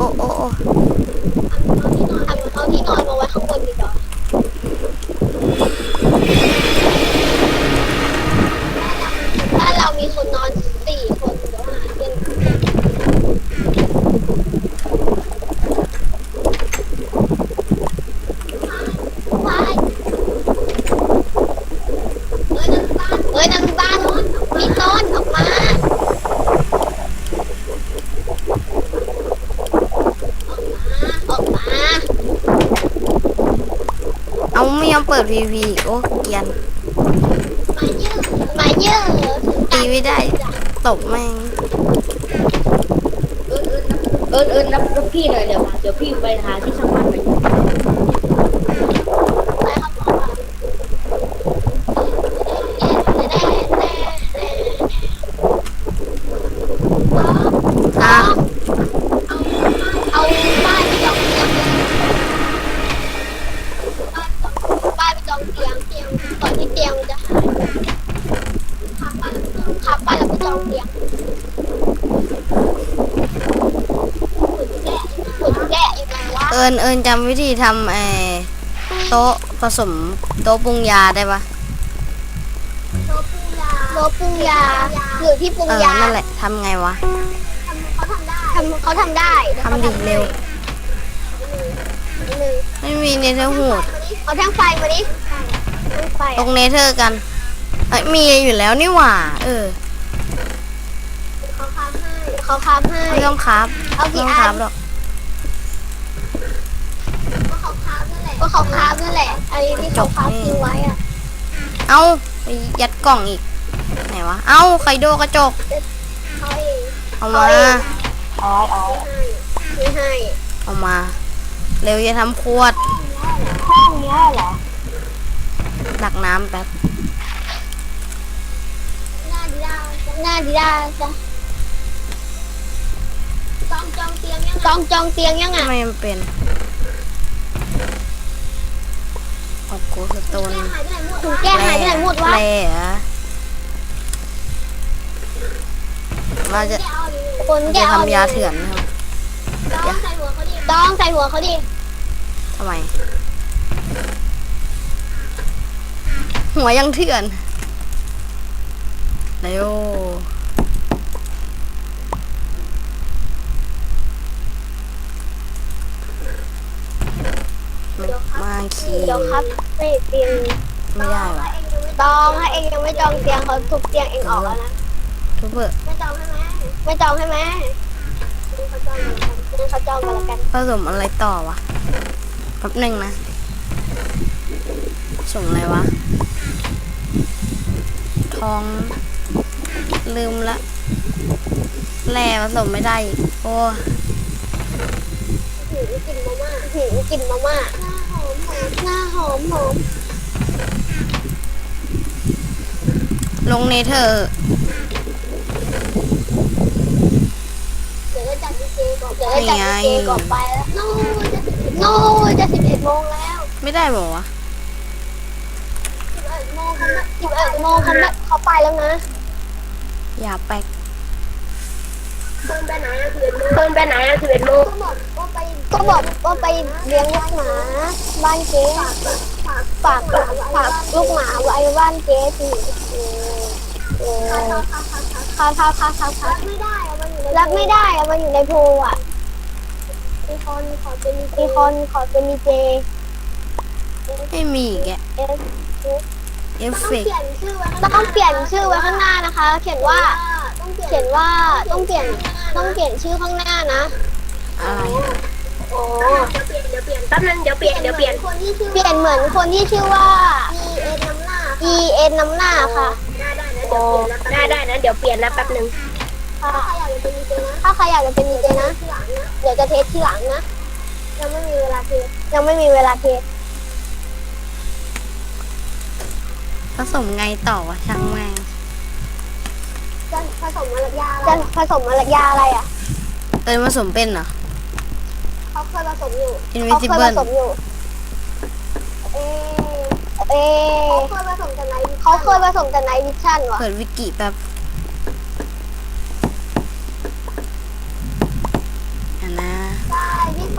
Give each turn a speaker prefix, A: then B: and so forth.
A: โอ้โอ้โอ้
B: เอาที่นอนมาไว้ข้างบนดีกว่าถ้าเรามีคนนอน4 คนเดี๋ยวหาเงินนางบ้านมีต้นออกมา
A: เอาไม่ยอมเปิดพีพีโอ้เกรียน
B: มาเยอะ
A: ตีไม่ได้ตบแม่ง
C: รับพี่หน่อยเดี๋ยวพี่ไปหาที่ช่างมันหน่อย
A: อ่ะ
B: เอาป้ายไปจองเตียงป้ายไปจองเตียงก่อนที่เตียงมันจะหายขับป้ายแล้วไปจองเตียงขุดแกะอยู่ไหนวะ
A: เอิญจำวิธีทำโต๊ะผสมโต๊ะปรุงยาได้ปะ
B: โต๊ะปรุงยาหรือที่ปรุงยา
A: นั่นแหละทำไงวะ
B: เขาทำได้
A: ทำดิเร็วไม่มีเนเธอร์ฮูด
B: เอาแท่งไฟมาดิ
A: ตรงเนเธอร์กันมีอยู่แล้วนี่หว่า
B: เขาคาบให้
A: ไม่ต้องครับ
B: เอากี่อัน
A: หรอก
B: ก็เขาคาบนั่นแหละไอ้ที่เขาคาบทิ้งไว้อะ
A: เอาไปยัดกล่องอีกไหนวะเอาไคโดกระจกเอามา
B: ไม่ให้
A: เอามาเร็วอย่าทำขวด
B: ห้องนี้เหรอ
A: ตักน้ำแป๊บ
B: หน้าดีด้าจ้ะจองเตียงยังอ่ะ
A: ไม่มันเป็นโอ้โหสโตน
B: ถุงแก้หายไปไหนหมดวะ
A: เราจะทำยาเถื่อนนะครับ
B: ต้องใส่หัวเขาดิ
A: ทำไมหัวยังเถื่อนเร็วมาขี่
B: เดี๋ยวครับไม่เตียง
A: ไม่ได้หรอ
B: ต้องถ้าเองยังไม่จองเตียงเขาทุบเตียงเองออกแล้วนะ
A: ทุบเบอร์
B: ไม่จองใช่ไหมเขาจองกันแล้วกัน
A: ผสมอะไรต่อวะแป๊บหนึ่งนะส่งอะไรวะทองลืมละแร่ผสมไม่ได้โอ้
B: กลิ่นมาม่าหน้าหอม
A: ลงเนเธอร์
B: เดี๋ยวจัดดีเจก่อนไปแล้วโน่จะ11 โมงแล้ว
A: ไม่ได้บอกวะ
B: 11 โมงเขาไปแล้วนะ
A: อย่าแป๊ก
B: เพิ่นไปไหน11 โมงก็บอกว่าไปเลี้ยงลูกหมาบ้านเจ๊ฝากลูกหมาไว้บ้านเจ๊สิรับไม่ได้เอามาอยู่ในโพอ่ะมีคนขอเป็นดีเจ
A: ไม่มีแกเอฟเฟก
B: ต้องเปลี่ยนชื่อไว้ข้างหน้านะคะเขียนว่าต้องเปลี่ยนชื่อข้างหน้านะ
A: อะไร
B: โอ้เดี๋ยวเปลี่ยนแป๊บนึงเดี๋ยวเปลี่ยนเหมือนคนที่ชื่อว่า EN น้ำหน้าค่ะ
C: ได้นะเดี๋ยวเปลี่ยนแล้วแป๊บนึง
B: ถ้าใครอยากจะเป็นดีเจนะเดี๋ยวจะเทสทีหลังนะยังไม่มีเวลาเทส
A: ผสมไงต่อวะช่างแม่ง
B: จะผสมอะไรยาอะไรอ่ะ
A: ผสมเป็นเหรอ
B: เขาเคยผสมอยู่
A: Invisible
B: เขาเคยผสมอยู่เขาเคยผสมแต่ไนท์วิชั่นวะ
A: เปิดวิกิแป๊บ